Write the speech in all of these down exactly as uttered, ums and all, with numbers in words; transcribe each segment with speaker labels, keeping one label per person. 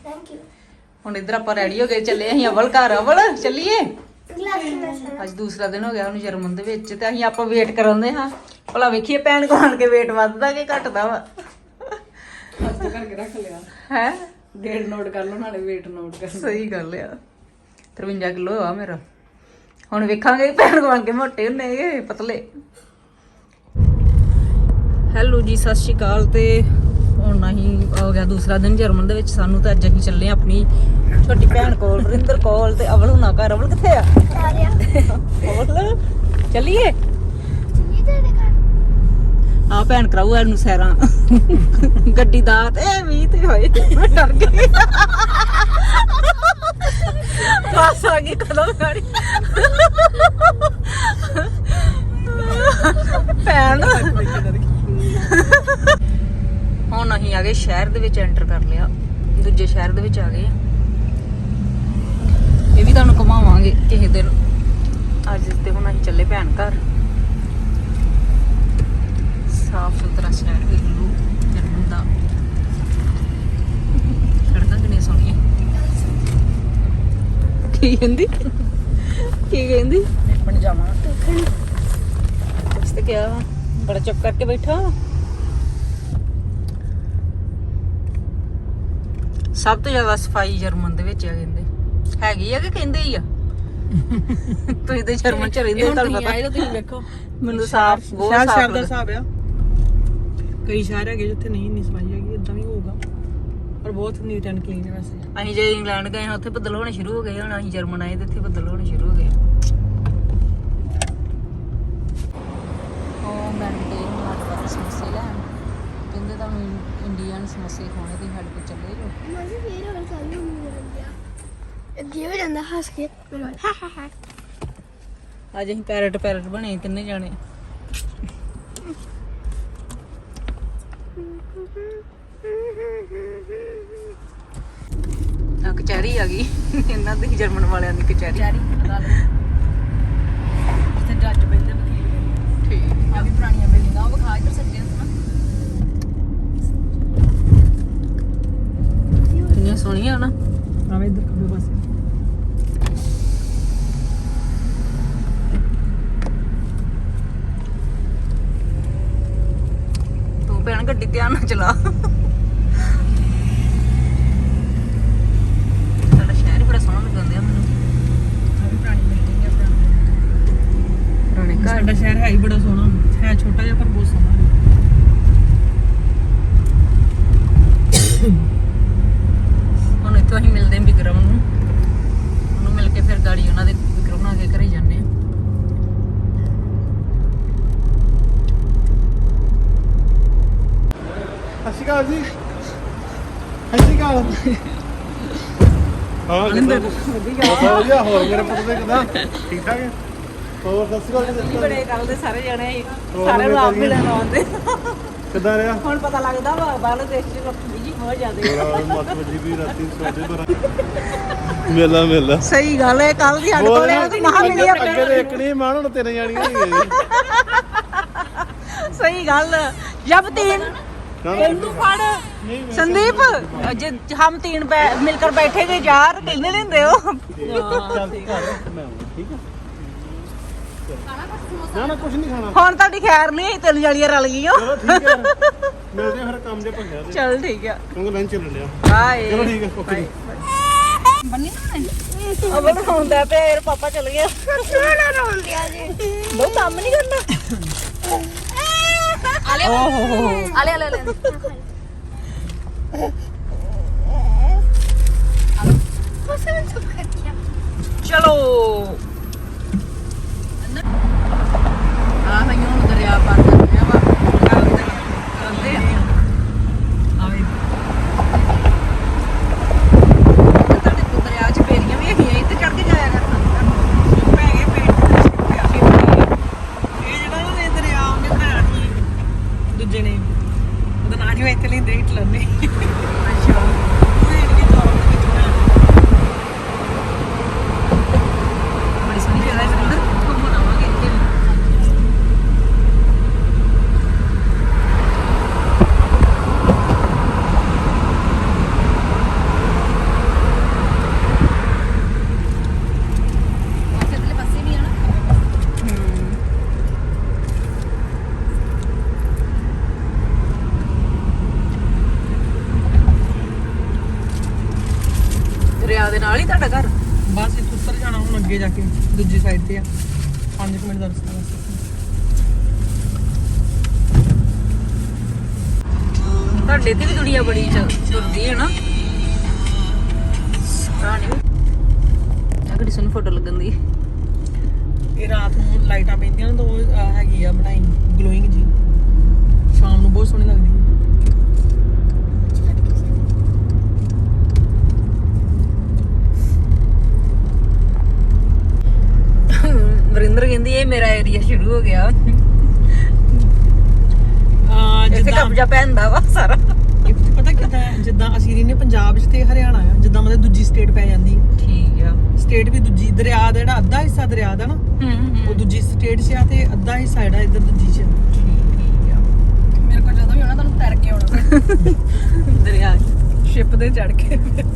Speaker 1: Thank you.
Speaker 2: ਹੁਣ ਇੱਧਰ ਆਪਾਂ ਰੈਡੀ ਹੋ ਗਏ ਚੱਲੇ ਅਸੀਂ ਅਵਲ ਘਰ। ਅਵਲ ਚੱਲੀਏ।
Speaker 1: ਗਲਾਸ ਮੈਂ
Speaker 2: ਅੱਜ ਦੂਸਰਾ ਦਿਨ ਹੋ ਗਿਆ ਉਹਨੂੰ ਜਰਮਨ ਦੇ ਵਿੱਚ ਤੇ ਅਸੀਂ ਆਪਾਂ ਵੇਟ ਕਰਾਉਂਦੇ ਹਾਂ ਭਲਾ ਵੇਖੀਏ ਭੈਣ ਕੋਲ ਆਣ ਕੇ ਵੇਟ ਵੱਧਦਾ ਕਿ ਘਟਦਾ ਵਾ।
Speaker 3: ਅੱਜ ਕਰਕੇ ਰੱਖ ਲਿਆ
Speaker 2: ਹੈ
Speaker 3: ਡੇਟ ਨੋਟ ਕਰ ਲਓ ਨਾਲੇ weight ਨੋਟ ਕਰ।
Speaker 2: ਸਹੀ ਗੱਲ ਆ। ਤਰਵੰਜਾ ਕਿਲੋ ਆ ਮੇਰਾ। ਹੁਣ ਵੇਖਾਂਗੇ ਭੈਣ ਕੋਲ ਆਣ ਕੇ ਮੋਟੇ ਹੁੰਨੇ ਕਿ ਪਤਲੇ। ਹੈਲੋ ਜੀ, ਸਤਿ ਸ਼੍ਰੀ ਅਕਾਲ। ਤੇ ਹੁਣ ਅਸੀਂ ਹੋ ਗਿਆ ਦੂਸਰਾ ਦਿਨ ਜਰਮਨ ਦੇ ਵਿੱਚ ਸਾਨੂੰ। ਤਾਂ ਅੱਜ ਅਸੀਂ ਚੱਲੇ ਆਂ ਆਪਣੀ ਛੋਟੀ ਭੈਣ ਕੋਲ, ਰਿੰਦਰ ਕੋਲ। ਤੇ ਅਵਲ ਹੁਣਾ ਘਰ। ਅਵਲ ਕਿੱਥੇ ਆ?
Speaker 1: ਆ ਰਿਹਾ।
Speaker 2: ਅਵਲ ਚੱਲੀਏ।
Speaker 1: ਇਹ ਤੇਰੇ ਘਰ
Speaker 2: ਆ ਭੈਣ ਕਰਾਊ ਇਹਨੂੰ ਸੈਰਾਂ ਗੱਡੀ ਦਾ ਤੇ ਵੀ ਤੇ ਹੋਏ ਮੈਂ ਡਰ ਗਈ। ਬਸ ਆ ਗਈ ਕਦੋਂ ਗਾੜੀ ਭੈਣ। ਹੁਣ ਅਸੀਂ ਆ ਗਏ ਸ਼ਹਿਰ ਦੇ ਵਿੱਚ, ਐਂਟਰ ਕਰ ਲਿਆ ਦੂਜੇ ਸ਼ਹਿਰ ਦੇ ਵਿੱਚ ਆ ਗਏ। ਇਹ ਵੀ ਤੁਹਾਨੂੰ ਘੁਮਾਵਾਂਗੇ ਕਿਸੇ ਦਿਨ। ਅੱਜ ਤੇ ਹੁਣ ਅਸੀਂ ਚੱਲੇ ਭੈਣ ਘਰ। ਸਾਫ ਸੁਥਰਾ ਸ਼ਹਿਰ ਵੇਖ ਲਓ ਜਰਮਨ ਦਾ। ਸੜਕਾਂ ਕਿੰਨੀਆਂ ਸੋਹਣੀਆਂ। ਕੀ ਕਹਿੰਦੀ ਕੀ ਕਹਿੰਦੀ
Speaker 3: ਬਣ ਜਾਵਾਂ
Speaker 2: ਕੁਛ ਤੇ ਕਿਹਾ ਵਾ। ਬੜਾ ਚੁੱਪ ਕਰਕੇ ਬੈਠਾ। ਸਭ ਤੋਂ ਜ਼ਿਆਦਾ ਸਫਾਈ ਜਰਮਨ ਦੇ ਵਿੱਚ ਆ ਕਹਿੰਦੇ। ਹੈਗੀ ਆ ਕਿ ਕਹਿੰਦੇ ਹੀ ਆ? ਤੁਸੀਂ ਤੇ ਜਰਮਨ ਚ ਰਹਿੰਦੇ ਹੋ, ਤੁਹਾਨੂੰ ਪਤਾ।
Speaker 3: ਤੁਸੀਂ ਵੇਖੋ
Speaker 2: ਮੈਨੂੰ ਸਾਫ ਬਹੁਤ
Speaker 3: ਸ਼ਹਿਰ
Speaker 2: ਸਾਫ
Speaker 3: ਸ਼ਹਿਰ ਦਾ
Speaker 2: ਲੱਗਦਾ।
Speaker 3: ਹਿਸਾਬ ਆ। ਕਈ ਸ਼ਹਿਰ ਹੈਗੇ ਜਿੱਥੇ ਨਹੀਂ ਇੰਨੀ ਸਫਾਈ ਹੈਗੀ, ਇਦਾਂ ਵੀ ਹੋਊਗਾ ਪਰ ਬਹੁਤ ਨੀਟ ਐਂਡ ਕਲੀਨ ਹੈ ਵੈਸੇ।
Speaker 2: ਅਸੀਂ ਜੇ ਇੰਗਲੈਂਡ ਗਏ ਹਾਂ ਉੱਥੇ ਬੱਦਲ ਹੋਣੇ ਸ਼ੁਰੂ ਹੋ ਗਏ। ਹੁਣ ਅਸੀਂ ਜਰਮਨ ਆਏ ਤੇ ਇੱਥੇ ਬੱਦਲ ਹੋਣੇ ਸ਼ੁਰੂ ਹੋ ਗਏ। ਉਹ ਮੈਂ ਡੇ ਮਾਰ ਸਮੋਸੇ ਲੈਣ ਕਹਿੰਦੇ ਤੁਹਾਨੂੰ ਇੰਡੀਅਨ ਸਮੋਸੇ ਖਾਣੇ ਤੇ ਸਾਡੇ ਕੋਲ ਚੱਲੇ ਜੋ।
Speaker 1: ਮੈਂ ਵੀ ਫੇਰ ਹੋਰ ਚੱਲ ਨੂੰ ਮਿਲ ਗਿਆ। ਅੱਗੇ ਹੋ ਜਾਂਦਾ ਹੱਸ ਕੇ ਮੇਰੇ ਵੱਲ ਹਾ ਹਾ ਹਾ।
Speaker 2: ਅੱਜ ਅਸੀਂ ਪੈਰਟ ਪੈਰਟ ਬਣੇ ਤਿੰਨੇ ਜਾਣੇ। ਆ ਕਚਹਿਰੀ ਆ ਗਈ ਇਹਨਾਂ ਦੀ ਜਰਮਨ ਵਾਲਿਆਂ ਦੀ ਕਚਹਿਰੀ।
Speaker 3: ਚਾਰੀ ਜਿੱਥੇ ਜੱਜ ਬੈਠਦੇ ਬਥੇਰੇ
Speaker 2: ਠੀਕ
Speaker 3: ਆ ਵੀ ਪੁਰਾਣੀਆਂ ਬਿਲਡਿੰਗਾਂ ਉਹ ਵਿਖਾ ਇੱਧਰ ਸੱਜੇ ਨਾ।
Speaker 2: ਕਿੰਨੀਆਂ ਸੋਹਣੀਆਂ ਨਾ।
Speaker 3: ਆਵੇ ਇੱਧਰ ਖੱਬੇ ਪਾਸੇ।
Speaker 2: ਤੂੰ ਭੈਣ ਗੱਡੀ ਧਿਆਨ ਨਾਲ ਚਲਾ। ਸਾਡਾ ਸ਼ਹਿਰ ਹੀ ਬੜਾ ਸੋਹਣਾ ਲੱਗਦਾ ਮੈਨੂੰ।
Speaker 3: ਆ ਵੀ ਪੁਰਾਣੀ ਬਿਲਡਿੰਗ ਹੈ ਪੁਰਾਣੀ।
Speaker 2: ਪੁਰਾਣੇ ਘਰ।
Speaker 3: ਸਾਡਾ ਸ਼ਹਿਰ ਹੈ ਹੀ ਬੜਾ ਸੋਹਣਾ ਹੈ, ਛੋਟਾ ਜਿਹਾ ਪਰ ਬਹੁਤ ਸੋਹਣਾ ਹੈ।
Speaker 2: ਹੁਣ ਇੱਥੋਂ ਅਸੀਂ ਮਿਲਦੇ ਹਾਂ ਵਿਕਰਮ ਨੂੰ। ਉਹਨੂੰ ਮਿਲ ਕੇ ਫਿਰ ਗਾੜੀ ਉਹਨਾਂ ਦੇ ਵਿਕਰਮ ਨਾਲ ਆ ਕੇ ਘਰੇ ਜਾਂਦੇ ਹਾਂ।
Speaker 4: ਸਤਿ ਸ਼੍ਰੀ ਅਕਾਲ ਜੀ। ਸਤਿ ਸ਼੍ਰੀ ਅਕਾਲ। ਹਾਂ ਕਿੱਦਾਂ? ਵਧੀਆ ਵਧੀਆ। ਹੋਰ ਮੇਰੇ ਪੁੱਤ ਦੇ ਕਿੱਦਾਂ? ਠੀਕ ਠਾਕ ਹੈ? ਹੋਰ ਸਤਿ ਸ਼੍ਰੀ ਅਕਾਲ ਜੀ।
Speaker 2: ਬੜੇ ਗੱਲ ਦੇ ਸਾਰੇ ਜਣੇ
Speaker 4: ਹੋਰ
Speaker 2: ਸਾਰਿਆਂ ਨੂੰ ਆਪ
Speaker 4: ਵਧੀਆ।
Speaker 2: ਮਿਲਣ ਆਉਂਦੇ।
Speaker 4: ਕਿੱਦਾਂ ਰਿਹਾ?
Speaker 2: ਹੁਣ ਪਤਾ ਲੱਗਦਾ ਵਾ ਬਾਹਰਲੇ ਦੇਸ਼ ਚ ਲੋਕ ਬਿਜੀ ਹੋ ਜਾਂਦੇ।
Speaker 4: ਬੜਾ ਮੱਤ ਵੱਜੀ ਵੀ ਰਾਤੀ ਸੋਦੇ ਬਰਾ ਮੇਲਾ ਮੇਲਾ।
Speaker 2: ਸਹੀ ਗੱਲ ਹੈ। ਕੱਲ ਦੀ ਸਾਡੇ ਕੋਲੇ ਉਹਦੀ ਮਹਾ ਮਿਲੀ ਆ।
Speaker 4: ਅੱਗੇ ਦੇ ਇੱਕ ਨਹੀਂ ਮਾਣ ਹੁਣ ਤਿੰਨ ਜਾਣੀਆਂ ਨਹੀਂ ਗਏ।
Speaker 2: ਸਹੀ ਗੱਲ। ਜਬ तीन तू फड़ संदीप जे हम तीन मिलकर बैठेंगे यार कहने लेंदे हो।
Speaker 4: ਚੱਲ ਘਰ ਮੈਂ ਆਉਣਾ ਠੀਕ ਹੈ। ਨਾ ਨਾ ਕੁਝ ਨਹੀਂ ਖਾਣਾ।
Speaker 2: ਹੁਣ ਤੁਹਾਡੀ ਖੈਰ ਨਹੀਂ ਤਿੰਨ ਜਲੀਆਂ ਰਲ ਗਈਆਂ।
Speaker 4: ਚਲੋ ਠੀਕ ਹੈ ਮਿਲਦੇ ਹਾਂ ਫਿਰ ਕੰਮ ਦੇ ਭੰਗਿਆ ਤੇ
Speaker 2: ਚਲ ਠੀਕ ਆ।
Speaker 4: ਕਿਉਂਕਿ ਲੰਚ ਚੱਲ ਲਿਆ।
Speaker 2: ਬਾਏ।
Speaker 4: ਚਲੋ ਠੀਕ ਹੈ ਓਕੇ।
Speaker 2: ਬੰਨੀ ਨਾ ਅਬਲ ਹੁੰਦਾ ਪਿਆ ਪਾਪਾ ਚਲ ਗਿਆ।
Speaker 1: ਸੋਹਣਾ ਰੋਂਦਿਆ ਜੀ।
Speaker 2: ਬਹੁਤ ਕੰਮ ਨਹੀਂ ਕਰਨਾ। ਆਲੇ ਆਲੇ ਆਲੇ ਆਲੇ
Speaker 1: ਫਸਲ ਚੁੱਕ ਕੇ
Speaker 2: ਚਲੋ ਆ ਮੈਂ ਹੁਣ ਦਰਿਆ ਪਾਰ ਕਰ ਰਿਹਾ ਵਾ। ਕਰਦੇ ਆ ਆਵੇ ਤੁਹਾਡੇ ਤੋਂ ਦਰਿਆ ਚ ਬੇਰੀਆਂ ਵੀ ਹੈਗੀਆਂ ਇੱਥੇ ਚੜ ਕੇ ਜਾਇਆ ਕਰਨਾ।
Speaker 3: ਪੈ ਗਏ ਪੇਟ ਇਹ ਜਿਹੜਾ ਨਾ ਦਰਿਆ ਉਹਨੇ ਬਣਾਇਆ ਸੀ ਦੂਜੇ ਨੇ ਉਹਦਾ ਨਾਂ ਨਹੀਂ ਹੋਇਆ ਇੱਥੇ
Speaker 2: ਤੁਹਾਡਾ ਘਰ?
Speaker 3: ਬਸ ਇੱਥੇ ਉੱਤਰ ਜਾਣਾ ਹੁਣ ਅੱਗੇ ਜਾ ਕੇ ਦੂਜੀ ਸਾਈਡ ਤੇ ਆ ਪੰਜ ਮਿੰਟ ਦਾ ਰਸਤਾ ਬਸ।
Speaker 2: ਤੁਹਾਡੇ ਤੇ ਵੀ ਦੁਨੀਆ ਬੜੀ ਚ- ਤੁਰਦੀ ਹੈ ਨਾ। ਰਾਣੀ ਆ ਕਿਹੜੀ ਸੋਹਣੀ ਫੋਟੋ ਲੱਗਣ ਦੀ।
Speaker 3: ਇਹ ਰਾਤ ਨੂੰ ਲਾਈਟਾਂ ਪੈਂਦੀਆਂ ਨੇ ਤਾਂ ਉਹ ਅਹ, ਹੈਗੀ ਆ ਬਣਾਈ ਗਲੋਇੰਗ ਜੀ, ਸ਼ਾਮ ਨੂੰ ਬਹੁਤ ਸੋਹਣੀ ਲੱਗਦੀ ਹੈ।
Speaker 2: ਵਰਿੰਦਰ ਕਹਿੰਦੀ ਇਹ ਮੇਰਾ ਏਰੀਆ ਸ਼ੁਰੂ ਹੋ ਗਿਆ।
Speaker 3: ਆ
Speaker 2: ਇੱਥੇ
Speaker 3: ਜਿੱਦਾਂ
Speaker 2: ਕਬਜ਼ਾ ਪੈਂਦਾ ਵਾ ਸਾਰਾ।
Speaker 3: ਇੱਥੇ ਪਤਾ ਕਿੱਦਾਂ ਹੈ, ਜਿੱਦਾਂ ਅਸੀਂ ਰਹਿੰਦੇ ਪੰਜਾਬ 'ਚ ਤੇ ਹਰਿਆਣਾ ਆ, ਜਿੱਦਾਂ ਮਤਲਬ ਦੂਜੀ ਸਟੇਟ ਪੈ ਜਾਂਦੀ ਹੈ।
Speaker 2: ਠੀਕ ਆ।
Speaker 3: ਸਟੇਟ ਵੀ ਦੂਜੀ ਦਰਿਆ ਦਾ ਜਿਹੜਾ ਅੱਧਾ ਹਿੱਸਾ ਦਰਿਆ ਦਾ ਨਾ ਉਹ ਦੂਜੀ ਸਟੇਟ 'ਚ ਆ ਤੇ ਅੱਧਾ ਹਿੱਸਾ ਜਿਹੜਾ ਇੱਧਰ ਦੂਜੀ 'ਚ ਆ।
Speaker 2: ਠੀਕ ਆ।
Speaker 3: ਮੇਰੇ ਕੋਲ ਜਦੋਂ ਵੀ ਆਉਣਾ ਤੁਹਾਨੂੰ ਤੈਰ ਕੇ ਆਉਣਾ
Speaker 2: ਦਰਿਆ
Speaker 3: ਸ਼ਿਪ ਤੇ ਚੜ ਕੇ।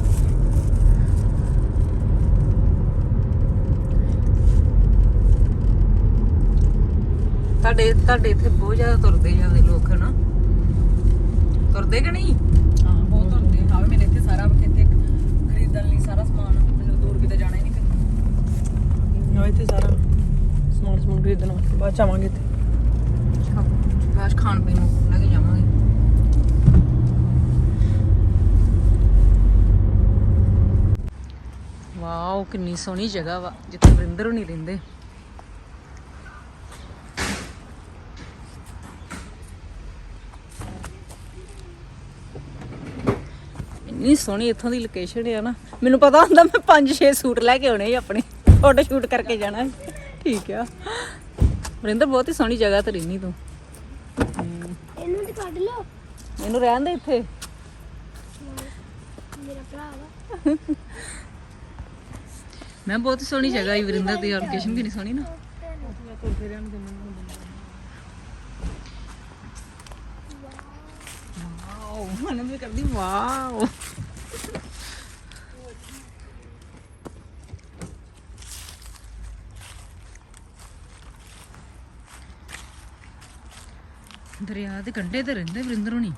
Speaker 2: ਤੁਹਾਡੇ ਤੁਹਾਡੇ ਇੱਥੇ ਬਹੁਤ ਜ਼ਿਆਦਾ ਤੁਰਦੇ ਜਾਂਦੇ ਲੋਕ ਹਨਾ, ਤੁਰਦੇ ਕਿ ਨਹੀਂ?
Speaker 3: ਹਾਂ ਬਹੁਤ ਹੁੰਦੇ ਆ। ਹਾਂ ਮੇਰੇ ਇੱਥੇ ਸਾਰਾ ਇੱਥੇ ਖਰੀਦਣ ਲਈ ਸਾਰਾ ਸਮਾਨ, ਮੈਨੂੰ ਦੂਰ ਕਿਤੇ ਜਾਣਾ ਹੀ ਨਹੀਂ ਪੈਂਦਾ। ਹਾਂ ਇੱਥੇ ਸਾਰਾ ਸਮਾਨ ਸਮੂਨ ਖਰੀਦਣਾ ਬਾਅਦ ਚ ਆਵਾਂਗੇ ਇੱਥੇ।
Speaker 2: ਬਾਅਦ ਖਾਣ ਪੀਣ ਨੂੰ ਲੈ ਕੇ ਜਾਵਾਂਗੇ। ਵਾਓ ਕਿੰਨੀ ਸੋਹਣੀ ਜਗ੍ਹਾ ਵਾ ਜਿੱਥੇ ਵਰਿੰਦਰ ਨਹੀਂ ਰਹਿੰਦੇ। ਇੰਨੀ ਸੋਹਣੀ ਇੱਥੋਂ ਦੀ ਲੋਕੇਸ਼ਨ ਹੈ ਨਾ। ਮੈਨੂੰ ਪਤਾ ਹੁੰਦਾ ਮੈਂ ਪੰਜ ਛੇ ਸੂਟ ਲੈ ਕੇ ਆਉਣੇ ਸੀ ਆਪਣੇ, ਫੋਟੋ ਸ਼ੂਟ ਕਰਕੇ ਜਾਣਾ। ਠੀਕ ਆ ਵਰਿੰਦਰ, ਬਹੁਤ ਹੀ ਸੋਹਣੀ ਜਗ੍ਹਾ ਤੇ ਰਹਿਨੀ ਤੂੰ।
Speaker 1: ਇਹਨੂੰ ਤੇ ਕੱਢ ਲਓ,
Speaker 2: ਇਹਨੂੰ ਰਹਿਣ ਦੇ ਇੱਥੇ।
Speaker 1: ਮੇਰਾ ਭਰਾ ਵਾ।
Speaker 2: ਮੈਂ ਬਹੁਤ ਹੀ ਸੋਹਣੀ ਜਗ੍ਹਾ ਹੈ ਵਰਿੰਦਰ ਦੀ, ਲੋਕੇਸ਼ਨ ਕਿੰਨੀ ਸੋਹਣੀ ਨਾ। ਵਾਓ ਮਨ ਵੀ ਕਰਦੀ ਵਾਓ। ਦਰਿਆ ਦੇ ਕੰਢੇ ਤੇ ਰਹਿੰਦੇ ਵਰਿੰਦਰ ਹੋਣੀ।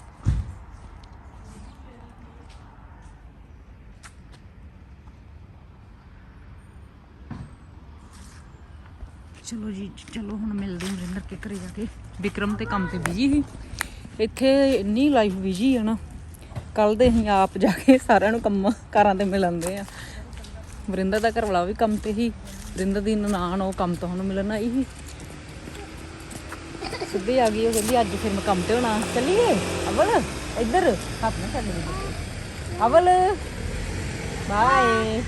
Speaker 2: ਚਲੋ ਜੀ ਚਲੋ ਹੁਣ ਮਿਲਦੇ ਹਾਂ ਵਰਿੰਦਰ ਕੇ ਘਰੇ ਜਾ ਕੇ। ਵਿਕਰਮ ਤੇ ਕੰਮ ਤੇ ਬਿਜੀ ਸੀ, ਇੱਥੇ ਇੰਨੀ ਲਾਈਫ ਬਿਜੀ ਆ ਨਾ। ਕੱਲ ਦੇ ਅਸੀਂ ਆਪ ਜਾ ਕੇ ਸਾਰਿਆਂ ਨੂੰ ਕੰਮ ਕਾਰਾਂ ਤੇ ਮਿਲਣਦੇ ਆ। ਵਰਿੰਦਰ ਦਾ ਘਰ ਵਾਲਾ ਵੀ ਕੰਮ ਤੇ ਹੀ, ਵਰਿੰਦਰ ਦੀ ਨਨਾਣ ਉਹ ਕੰਮ ਤੋਂ ਹੁਣ ਮਿਲਣ ਆਈ ਸੀ। ਸਿੱਧੀ ਆ ਗਈ, ਉਹ ਕਹਿੰਦੀ ਅੱਜ ਫਿਰ ਮੈਂ ਕੰਮ ਤੇ ਹੋਣਾ। ਚੱਲੀਏ ਅਵਲ ਇੱਧਰ ਹੱਥ ਨਾ ਛੱਡ ਦੇ। ਅਵਲ ਬਾਏ।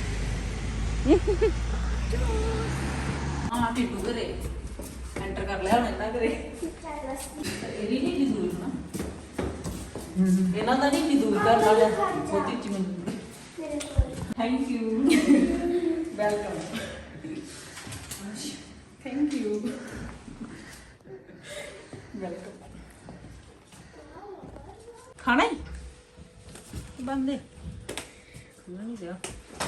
Speaker 2: ਹਾਂ ਟਿੱਟੂ ਘਰੇ ਐਂਟਰ ਕਰ ਲਿਆ ਹੁਣ ਇਹਨਾਂ ਘਰੇ। ਇਹਦੀ ਨਹੀਂ ਦੂਰ ਨਾ, ਇਹਨਾਂ ਦਾ ਨਹੀਂ ਦੂਰ ਕਰ ਲਾ ਬਹੁਤੀ ਚੀ ਮੈਨੂੰ। Thank you welcome. Thank you welcome. ਖਾਣਾ ਹੀ ਬੰਦੇ ਖੁੱਲ੍ਹਾ ਨਹੀਂ ਦਿਆ।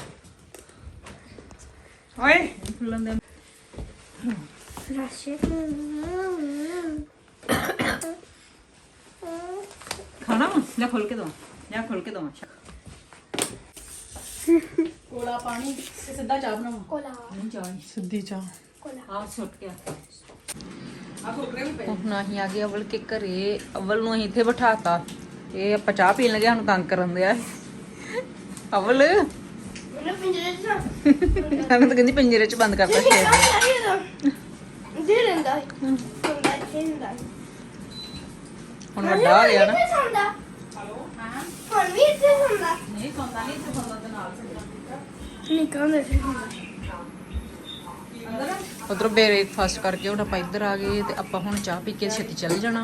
Speaker 2: ਓਏ ਖੁੱਲ੍ਹਣ ਦੇ।
Speaker 1: ਰਾਸ਼ੇ
Speaker 2: ਖਾਣਾ ਵਾ ਲੈ ਖੋਲ ਕੇ ਦਵਾ, ਜਾਂ ਖੋਲ ਕੇ ਦਵਾ।
Speaker 3: ਕੋਲਾ ਪਾਣੀ ਤੇ ਸਿੱਧਾ ਚਾਹ ਬਣਾਵਾ।
Speaker 1: ਕੋਲਾ
Speaker 2: ਨਹੀਂ ਚਾਹ
Speaker 3: ਸਿੱਧੀ ਚਾਹ।
Speaker 1: ਕੋਲਾ
Speaker 2: ਆ ਸੁੱਟ ਗਿਆ।
Speaker 3: ਆ ਕੁਰਕਰੇ ਵੀ ਪਏ।
Speaker 2: ਹੁਣ ਅਸੀਂ ਆ ਗਏ ਅਵਲ ਕੇ ਘਰੇ। ਅਵਲ ਨੂੰ ਅਸੀਂ ਇੱਥੇ ਬਿਠਾਤਾ, ਇਹ ਆਪਾਂ ਚਾਹ ਪੀਣ ਲੱਗੇ, ਸਾਨੂੰ ਤੰਗ ਕਰਨ ਦਿਆ। ਅਵਲ
Speaker 1: ਮੈਨੂੰ ਪਿੰਜਰੇ ਚ ਨਾ
Speaker 2: ਮੈਂ ਤਾਂ ਕਹਿੰਦੀ ਪਿੰਜਰੇ ਚ ਬੰਦ ਕਰਤਾ ਸ਼ੇਰ।
Speaker 1: ਦੇ ਰਹਿੰਦਾ ਹੈ ਹੁੰਦਾ ਇੱਥੇ ਹੁੰਦਾ।
Speaker 2: ਹੁਣ ਵੱਡਾ ਹੋ ਗਿਆ ਨਾ।
Speaker 1: ਹੁੰਦਾ
Speaker 3: ਹਲੋ
Speaker 1: ਹਾਂ ਹੁਣ ਵੀ ਇੱਥੇ ਹੁੰਦਾ
Speaker 2: ਨਹੀਂ ਸੌਂਦਾ ਨਹੀਂ, ਇੱਥੇ ਸੌਂਦਾ ਤੇ ਨਾਲ
Speaker 1: ਨਿਕਲ ਦੇ ਫਿਰ ਹੁੰਦਾ।
Speaker 2: ਉਧਰੋਂ ਬ੍ਰੇਕਫਾਸਟ ਕਰਕੇ ਹੁਣ ਆਪਾਂ ਇੱਧਰ ਆ ਗਏ ਤੇ ਆਪਾਂ ਹੁਣ ਚਾਹ ਪੀ ਕੇ ਛੇਤੀ ਚੱਲ ਜਾਣਾ।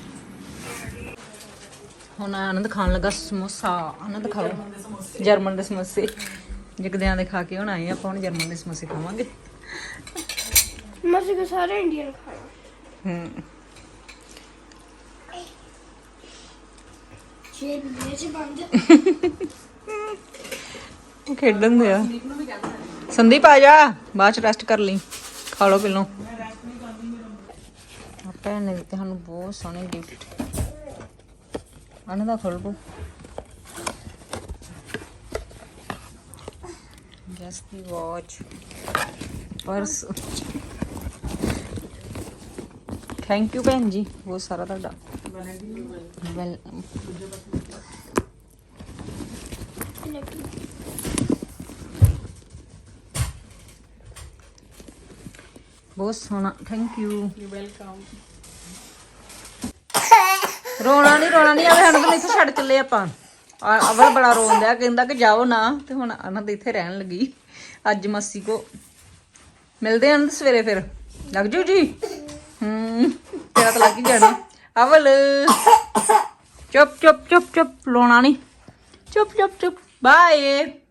Speaker 2: ਹੁਣ ਆਨੰਦ ਖਾਣ ਲੱਗਾ ਸਮੋਸਾ। ਆਨੰਦ ਖਾਓ ਜਰਮਨ ਦੇ ਸਮੋਸੇ। ਜਗਦਿਆਂ ਦੇ ਖਾ ਕੇ ਹੁਣ ਆਏ ਆਪਾਂ, ਹੁਣ ਜਰਮਨ ਦੇ ਸਮੋਸੇ ਖਾਵਾਂਗੇ।
Speaker 1: ਮਸੇ ਕੋ ਸਾਰੇ ਇੰਡੀਅਨ ਖਾਣਾ।
Speaker 2: ਹੂੰ
Speaker 1: ਛੇ ਬਿਲੇ ਚ ਬੰਦ
Speaker 2: ਖੇਡਣ ਦੇ ਆ। ਸੰਦੀਪ ਆ ਜਾ, ਬਾਅਦ ਚ ਰੈਸਟ ਕਰ ਲਈ, ਖਾ ਲਓ ਪਹਿਲੋਂ। ਭੈਣ ਨੇ ਦਿੱਤੇ ਸਾਨੂੰ ਬਹੁਤ ਸੋਹਣੇ ਗਿਫਟ। ਆਨੰਦ ਦਾ ਖੋਲ ਬੋ। ਜਸ ਦੀ ਵਾਚ ਪਰਸ ਥੈਂਕ ਯੂ ਭੈਣ ਜੀ ਬਹੁਤ ਸਾਰਾ ਤੁਹਾਡਾ ਵੈਲ ਬਹੁਤ ਸੋਹਣਾ ਥੈਂਕ ਯੂ
Speaker 3: ਵੈਲਕਮ।
Speaker 2: ਰੋਣਾ ਨਹੀਂ ਰੋਣਾ ਨਹੀਂ ਆਵੇ ਸਾਨੂੰ ਤਾਂ ਇੱਥੇ ਛੱਡ ਚੱਲੇ ਆਪਾਂ ਆ- ਅਵਲ ਬੜਾ ਰੋਣ ਡਿਆ ਕਹਿੰਦਾ ਕਿ ਜਾਓ ਨਾ ਤੇ ਹੁਣ ਅਨੰਦ ਇੱਥੇ ਰਹਿਣ ਲੱਗੀ ਅੱਜ ਮਾਸੀ ਕੋ ਮਿਲਦੇ ਆਂ ਅਨੰਦ ਸਵੇਰੇ ਫਿਰ ਲੱਗ ਜੂ ਜੀ ਹੂੰ ਤੇਰਾ ਤਾਂ ਲੱਗ ਹੀ ਜਾਣਾ ਅਵਲ ਚੁੱਪ ਚੁੱਪ ਚੁੱਪ ਚੁੱਪ ਰੋਣਾ ਨਹੀਂ ਚੁੱਪ ਚੁੱਪ ਚੁੱਪ ਬਾਏ